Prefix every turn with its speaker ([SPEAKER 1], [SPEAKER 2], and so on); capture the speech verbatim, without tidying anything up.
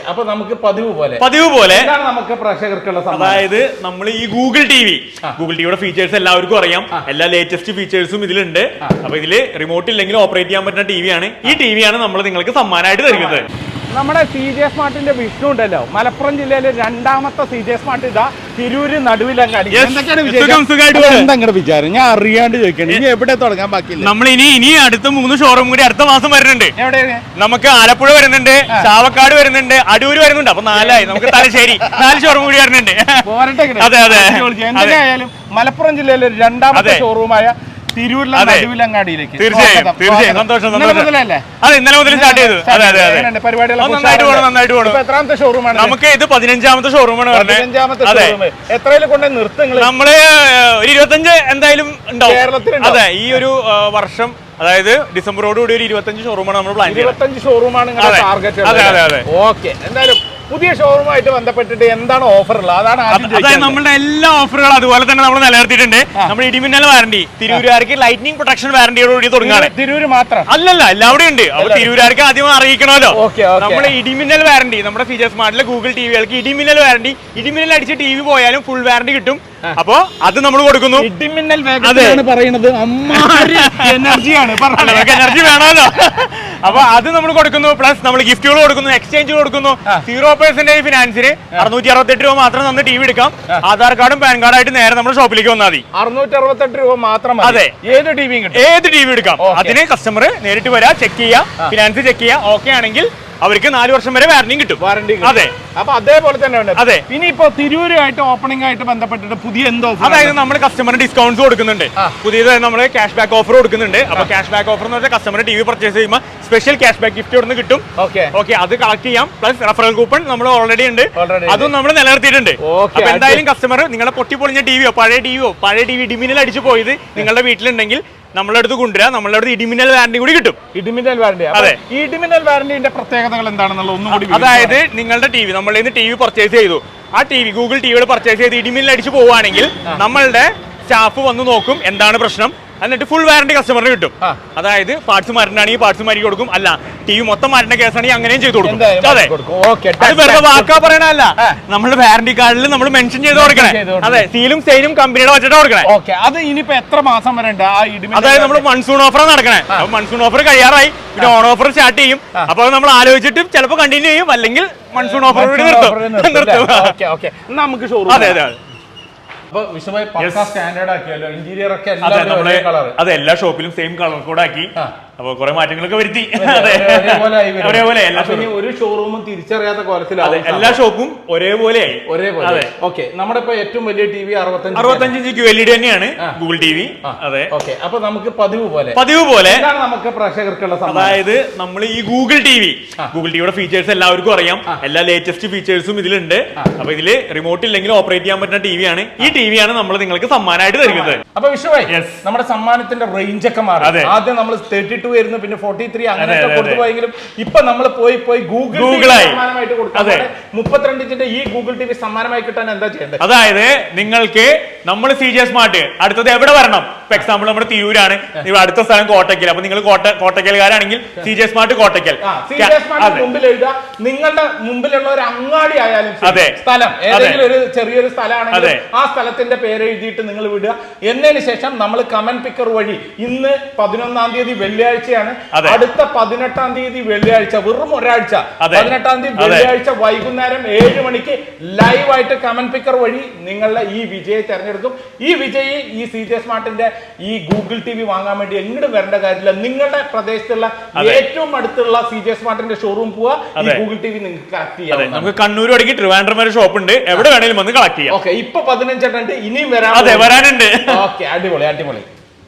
[SPEAKER 1] അപ്പൊ നമുക്ക് പതിവ് പോലെ
[SPEAKER 2] പതിവ് പോലെ
[SPEAKER 1] നമുക്ക് പ്രേക്ഷകർക്കുള്ള
[SPEAKER 2] അതായത് നമ്മൾ ഈ ഗൂഗിൾ ടി വി ഗൂഗിൾ ടിവിയുടെ ഫീച്ചേഴ്സ് എല്ലാവർക്കും അറിയാം. എല്ലാ ലേറ്റസ്റ്റ് ഫീച്ചേഴ്സും ഇതിലുണ്ട്. അപ്പൊ ഇതില് റിമോട്ട് ഇല്ലെങ്കിൽ ഓപ്പറേറ്റ് ചെയ്യാൻ പറ്റുന്ന ടി വി ആണ്. ഈ ടി വി ആണ് നമ്മൾ നിങ്ങൾക്ക് സമ്മാനമായിട്ട് തരുന്നത്.
[SPEAKER 1] നമ്മുടെ സി ജെ സ്മാർട്ടിന്റെ വിഷ്ണു ഉണ്ടല്ലോ, മലപ്പുറം ജില്ലയിലെ രണ്ടാമത്തെ സി ജെ സ്മാർട്ട് ഇതാ തിരൂര് നടുവിലങ്ങാടി. എന്താണ് വിചാരം? ഞാൻ അറിയാണ്ട് ചോദിക്കണം, ഇനി എവിടെ തുടങ്ങാൻ ബാക്കിയില്ല.
[SPEAKER 2] നമ്മൾ ഇനി ഇനി അടുത്ത മൂന്ന് ഷോറൂം കൂടി അടുത്ത മാസം വരുന്നുണ്ട്. നമുക്ക് ആലപ്പുഴ വരുന്നുണ്ട്, ചാവക്കാട് വരുന്നുണ്ട്, അടൂര് വരുന്നുണ്ട്. അപ്പൊ നാലായി. നമുക്ക് തലശ്ശേരി നാല് ഷോറൂം കൂടി വരുന്നുണ്ട്. അതെ അതെ
[SPEAKER 1] എന്തായാലും മലപ്പുറം ജില്ലയിലെ രണ്ടാമത്തെ ഷോറൂമായ തിരൂരിലെ നടുവിലങ്ങാടിയിലേക്ക്
[SPEAKER 2] തീർച്ചയായും തീർച്ചയായും സന്തോഷം സന്തോഷം. അതെ, ഇന്നലെ മുതൽ സ്റ്റാർട്ട് ചെയ്തു. അതെ അതെ അതെ നന്നായിട്ട് പോകണം നന്നായിട്ട് പോകണം.
[SPEAKER 1] എത്രാമത്തെ ഷോറൂമാണ്?
[SPEAKER 2] നമുക്ക് ഇത് പതിനഞ്ചാമത്തെ ഷോറൂമാണ് പറഞ്ഞത്.
[SPEAKER 1] എത്രയിൽ കൊണ്ട് നിർത്തുങ്ങൾ?
[SPEAKER 2] നമ്മള് ഒരു ഇരുപത്തഞ്ച് എന്തായാലും ഉണ്ടാവും കേരളത്തിൽ. അതെ, ഈ ഒരു വർഷം അതായത് ഡിസംബറോട് കൂടി ഒരു ഇരുപത്തഞ്ച് ഷോറൂമാണ് നമ്മൾ പ്ലാൻ ചെയ്യുന്നത്.
[SPEAKER 1] ഇരുപത്തഞ്ച് ഷോറൂമാണ് ടാർഗറ്റ്.
[SPEAKER 2] അതെ അതെ അതെ
[SPEAKER 1] ഓക്കെ. എന്തായാലും പുതിയ ഷോറൂമായിട്ട് ബന്ധപ്പെട്ടിട്ട് എന്താണ് ഓഫർ ഉള്ളത്? അതാണ്
[SPEAKER 2] അതായത് നമ്മുടെ എല്ലാ ഓഫറുകളും അതുപോലെ തന്നെ നമ്മൾ നിലനിർത്തിയിട്ടുണ്ട്. നമ്മുടെ ഇടിമിന്നൽ വാറണ്ടി തിരൂരുകാർക്ക് ലൈറ്റ്നിങ് പ്രൊട്ടക്ഷൻ വാറണ്ടിയോടുകൂടി തുടങ്ങുകയാണ്.
[SPEAKER 1] തിരൂര് മാത്രം
[SPEAKER 2] അല്ലല്ല, എല്ലാവരും ഉണ്ട്. അപ്പൊ തിരൂരുകാർക്ക് ആദ്യം അറിയിക്കണമല്ലോ. നമ്മുടെ ഇടിമിന്നൽ വാറണ്ടി നമ്മുടെ ഫീച്ചർ സ്മാർട്ടിലെ ഗൂഗിൾ ടിവികൾക്ക് ഇടിമിന്നൽ വാറണ്ടി, ഇടിമിന്നൽ അടിച്ച് ടി വി പോയാലും ഫുൾ വാറണ്ടി കിട്ടും. അപ്പൊ അത് നമ്മൾ കൊടുക്കുന്നു.
[SPEAKER 1] ഇടിമിന്നൽ വേഗതയാണ് പറയുന്നത്, എനർജിയാണ്
[SPEAKER 2] എനർജി വേണമല്ലോ. അപ്പൊ അത് നമ്മൾ കൊടുക്കുന്നു. പ്ലസ് നമ്മൾ ഗിഫ്റ്റുകൾ കൊടുക്കുന്നു, എക്സ്ചേഞ്ച് കൊടുക്കുന്നു. സീറോ പെർസെന്റേജ് ഫിനാൻസിന് അറുന്നൂറ്റി അറുപത്തെട്ട് രൂപ മാത്രം തന്ന് ടി വി എടുക്കാം. ആധാർ കാർഡും പാൻ കാർഡായിട്ട് നേരെ നമ്മുടെ ഷോപ്പിലേക്ക് വന്നാൽ മതി.
[SPEAKER 1] അറുന്നൂറ്റി അറുപത്തെട്ട് രൂപ മാത്രം.
[SPEAKER 2] അതെ,
[SPEAKER 1] ഏത് ടി വി
[SPEAKER 2] ഏത് ടി വി എടുക്കാം. അതിന് കസ്റ്റമർ നേരിട്ട് വരാ, ചെക്ക് ചെയ്യാ, ഫിനാൻസ് ചെക്ക് ചെയ്യാ. ഓക്കെ ആണെങ്കിൽ അവർക്ക് നാല് വർഷം വരെ വാറന്റിയും കിട്ടും.
[SPEAKER 1] വാറന്റി
[SPEAKER 2] അതെ.
[SPEAKER 1] അപ്പൊ അതേപോലെ തന്നെ
[SPEAKER 2] അതെ.
[SPEAKER 1] ഇനിയിപ്പോ തിരൂരുമായിട്ട് ഓപ്പണിംഗ് ആയിട്ട് ബന്ധപ്പെട്ടിട്ട് പുതിയ എന്തോ,
[SPEAKER 2] അതായത് നമ്മൾ കസ്റ്റമറിന് ഡിസ്കൗണ്ട്സ് കൊടുക്കുന്നുണ്ട്. പുതിയതായി നമ്മൾ ക്യാഷ് ബാക്ക് ഓഫർ കൊടുക്കുന്നുണ്ട്. അപ്പൊ ക്യാഷ് ബാക്ക് ഓഫർ എന്ന് വെച്ചാൽ കസ്റ്റമർ ടി വി പർച്ചേസ് ചെയ്യുമ്പോൾ സ്പെഷ്യൽ ക്യാഷ് ബാക്ക് ഗിഫ്റ്റ് കൊടുന്ന് കിട്ടും. ഓക്കെ, അത് കളക്ട് ചെയ്യാം. പ്ലസ് റെഫറൽ കൂപ്പൺ നമ്മൾ ഓൾറെഡി ഉണ്ട്, അതും നമ്മൾ നിലനിർത്തിയിട്ടുണ്ട്. അപ്പൊ എന്തായാലും കസ്റ്റമർ നിങ്ങളെ പൊട്ടിപ്പൊളിഞ്ഞ ടിവിയോ പഴയ ടിവിയോ പഴയ ടി വി ഇടിമിന്നൽ അടിച്ചു പോയത് നിങ്ങളുടെ വീട്ടിലുണ്ടെങ്കിൽ നമ്മളെ അടുത്ത് കൊണ്ടുവരാം. നമ്മളെ അടുത്ത് ഇടിമിന്നൽ വാറണ്ടി കൂടി കിട്ടും.
[SPEAKER 1] ഇടിമിന്നൽ വാറണ്ടി. അതെ, ഈ ഇടിമിന്നൽ വാറണ്ടിന്റെ പ്രത്യേകതകൾ എന്താണെന്നുള്ള ഒന്നും കൂടി.
[SPEAKER 2] അതായത് നിങ്ങളുടെ ടി വി നമ്മളിൽ നിന്ന് ടി വി പർച്ചേസ് ചെയ്തു, ആ ടി വി ഗൂഗിൾ ടിവികൾ പർച്ചേസ് ചെയ്ത് ഇടിമിന്നൽ അടിച്ചു പോവുകയാണെങ്കിൽ നമ്മളുടെ സ്റ്റാഫ് വന്ന് നോക്കും എന്താണ് പ്രശ്നം, എന്നിട്ട് ഫുൾ വാറണ്ടി കസ്റ്റമറിന് കിട്ടും. അതായത് പാർട്സ് മാറ്റാണെങ്കിൽ പാർട്സ് മാറ്റി കൊടുക്കും, അല്ല ടി വി മൊത്തം മാറ്റുന്ന കേസാണെങ്കിൽ അങ്ങനെയും ചെയ്ത് കൊടുക്കും. അതെ, അത് വെറുതെ വാക്കാ പറയണല്ല, നമ്മുടെ വാറണ്ടി കാർഡിൽ നമ്മൾ മെൻഷൻ ചെയ്ത് കൊടുക്കണേ. അതെ, സീലും സെയിലും കമ്പനിയുടെ വെച്ചിട്ട് കൊടുക്കണേ.
[SPEAKER 1] അത് ഇനിയിപ്പോ എത്ര മാസം വരെ ഉണ്ട്?
[SPEAKER 2] അതായത് നമ്മൾ മൺസൂൺ ഓഫർ നടക്കണേ. അപ്പൊ മൺസൂൺ ഓഫർ കഴിയാറായി, പിന്നെ ഓൺ ഓഫർ സ്റ്റാർട്ട് ചെയ്യും. അപ്പൊ നമ്മൾ ആലോചിച്ചിട്ട് ചിലപ്പോൾ കണ്ടിന്യൂ ചെയ്യും, അല്ലെങ്കിൽ മൺസൂൺ ഓഫർ നിർത്തും നിർത്തും
[SPEAKER 1] നമുക്ക് ഷോറൂം.
[SPEAKER 2] അതെ അതെ അതെ, എല്ലാ ഷോപ്പിലും സെയിം കളർ കോഡ് ആക്കി. അപ്പൊ കുറെ മാറ്റങ്ങളൊക്കെ വരുത്തി. ഒരേപോലെ
[SPEAKER 1] ഒരു ഷോറൂമും തിരിച്ചറിയാത്ത കോലത്തിലാണ്
[SPEAKER 2] എല്ലാ ഷോപ്പും ഒരേപോലെ ആയി.
[SPEAKER 1] ഒരേപോലെ. ഓക്കെ, നമ്മുടെ ഇപ്പൊ ഏറ്റവും വലിയ ടി വി അറുപത്തഞ്ച്
[SPEAKER 2] അറുപത്തഞ്ച് inch Q L E D തന്നെയാണ് ഗൂഗിൾ ടി വി. അതെ,
[SPEAKER 1] ഓക്കെ. അപ്പൊ നമുക്ക് പതിവ് പോലെ
[SPEAKER 2] പതിവ് പോലെ
[SPEAKER 1] നമുക്ക് പ്രേക്ഷകർക്കുള്ള,
[SPEAKER 2] അതായത് നമ്മൾ ഈ ഗൂഗിൾ ടി വി ഗൂഗിൾ ടിവിയുടെ ഫീച്ചേഴ്സ് എല്ലാവർക്കും അറിയാം. എല്ലാ ലേറ്റസ്റ്റ് ഫീച്ചേഴ്സും ഇതിലുണ്ട്. അപ്പൊ ഇതില് റിമോട്ട് ഇല്ലെങ്കിൽ ഓപ്പറേറ്റ് ചെയ്യാൻ പറ്റുന്ന ടി വി ആണ്. ഈ ടി വി ആണ് നമ്മൾ നിങ്ങൾക്ക് സമ്മാനമായിട്ട് തരുന്നത്.
[SPEAKER 1] അപ്പൊ വിഷുവായി നമ്മുടെ സമ്മാനത്തിന്റെ റേഞ്ച് ഒക്കെ മാറി. ആദ്യം നമ്മൾ തേർട്ടി ടു ആയിരുന്നു, പിന്നെ ഫോർട്ടി ത്രീ അങ്ങനെ കൊടുത്തുപോയെങ്കിലും ഇപ്പൊ നമ്മൾ പോയി പോയി ഗൂഗിൾ സമ്മാനമായിട്ട് കൊടുക്കും. മുപ്പത്തിരണ്ട് ഇഞ്ചിന്റെ ഈ ഗൂഗിൾ ടി വി സമ്മാനമായി കിട്ടാൻ എന്താ ചെയ്യേണ്ടത്?
[SPEAKER 2] അതായത് നിങ്ങൾക്ക് നമ്മൾ സി ജെ സ്മാർട്ട് അടുത്തത് എവിടെ വരണം? ഇപ്പൊ എക്സാമ്പിൾ നമ്മുടെ തിരൂരാണ്, അടുത്ത സ്ഥലം കോട്ടയ്ക്കൽ. അപ്പൊ നിങ്ങൾ കോട്ടയ്ക്കൽക്കാരാണെങ്കിൽ സി ജെ സ്മാർട്ട് കോട്ടയ്ക്കൽ
[SPEAKER 1] മുമ്പിൽ എഴുതുക. നിങ്ങളുടെ മുമ്പിലുള്ള ഒരു അങ്ങാടി ആയാലും സ്ഥലം ഏതെങ്കിലും ഒരു ചെറിയൊരു സ്ഥലമാണെങ്കിൽ ആ സ്ഥലത്തിന്റെ പേര് എഴുതിയിട്ട് നിങ്ങൾ വിടുക. എന്നതിന് ശേഷം നമ്മൾ കമന്റ് പിക്കർ വഴി ഇന്ന് പതിനൊന്നാം തീയതി വെള്ളിയാഴ്ചയാണ്, അടുത്ത പതിനെട്ടാം തീയതി വെള്ളിയാഴ്ച, വെറും ഒരാഴ്ച, പതിനെട്ടാം തീയതി വെള്ളിയാഴ്ച വൈകുന്നേരം ഏഴ് മണിക്ക് ലൈവായിട്ട് കമന്റ് പിക്കർ വഴി നിങ്ങളുടെ ഈ വിജയെ തെരഞ്ഞെടുക്കും. ഈ വിജയി ഈ സി ജെ സ്മാർട്ടിന്റെ ഈ ഗൂഗിൾ ടി വി വാങ്ങാൻ വേണ്ടി എങ്ങോട്ട് വരേണ്ട കാര്യമില്ല. നിങ്ങളുടെ പ്രദേശത്തുള്ള ഏറ്റവും അടുത്തുള്ള സി ജെ സ്മാർട്ടിന്റെ ഷോറൂം പോവാ, ഈ ഗൂഗിൾ ടി വി നിങ്ങൾക്ക് കളക്ട് ചെയ്യാം.
[SPEAKER 2] നമുക്ക് കണ്ണൂർ വടക്കി ട്രിവാൻഡ്രം വരെ ഷോപ്പ് ഉണ്ട്, എവിടെ വേണേലും വന്ന് കളക്ട് ചെയ്യാം.
[SPEAKER 1] ഓക്കെ, ഇപ്പൊ പതിനഞ്ചെണ്ണം ഉണ്ട്, ഇനിയും വരാൻ
[SPEAKER 2] വരാനുണ്ട്.
[SPEAKER 1] ഓക്കെ, അടിപൊളി അടിപൊളി.